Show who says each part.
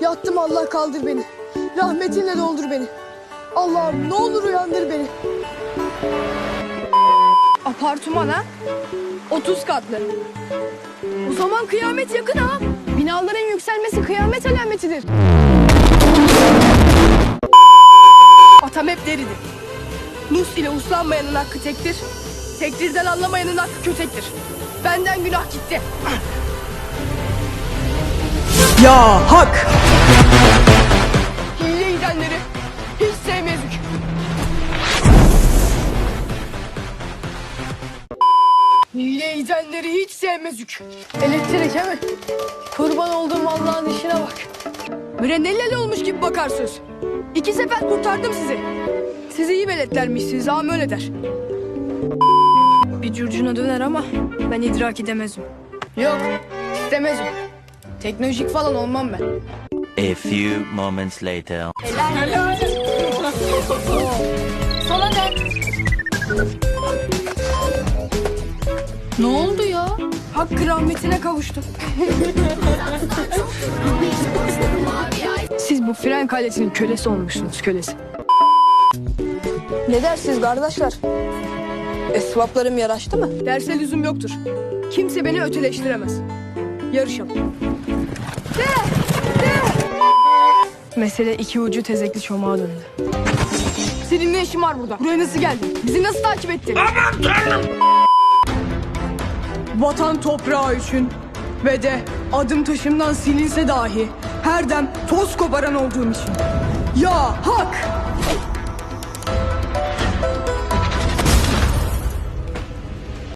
Speaker 1: Yattım, Allah kaldır beni. Rahmetinle doldur beni. Allah'ım ne olur uyandır beni. Apartman ha? 30 katlı. O zaman kıyamet yakın ha. Binaların yükselmesi kıyamet alametidir. Atam hep deridi. Nus ile uslanmayanın hakkı tektir. Tektirden anlamayanın hakkı kötektir. Benden günah gitti.
Speaker 2: Ya hak!
Speaker 1: Hile gidenleri hiç sevmezdik. Hile gidenleri hiç sevmezdik. Elektrik he mi? Kurban olduğum Allah'ın işine bak. Mürenellel olmuş gibi bakarsınız. 2 sefer kurtardım sizi. Sizi iyi beletlermişsiniz, ağam öyle der. Bir curcuna döner ama ben idrak edemezim. Yok, istemezim. Teknolojik falan olmam ben.
Speaker 3: A few moments later.
Speaker 1: Sana ne? Ne oldu ya? Hakkı rahmetine kavuştum. Siz bu fren kalesinin kölesi olmuşsunuz, kölesi. Ne dersiniz kardeşler? Esvaplarım yaraştı mı? Derse lüzum yoktur. Kimse beni öteleştiremez. Yarışalım. De! Mesele iki ucu tezekli çomağa döndü. Senin ne işin var burada? Buraya nasıl geldin? Bizi nasıl takip ettin?
Speaker 2: Aman tanrım! Vatan toprağı için ve de adım taşımdan silinse dahi her dem toz koparan olduğum için. Ya hak!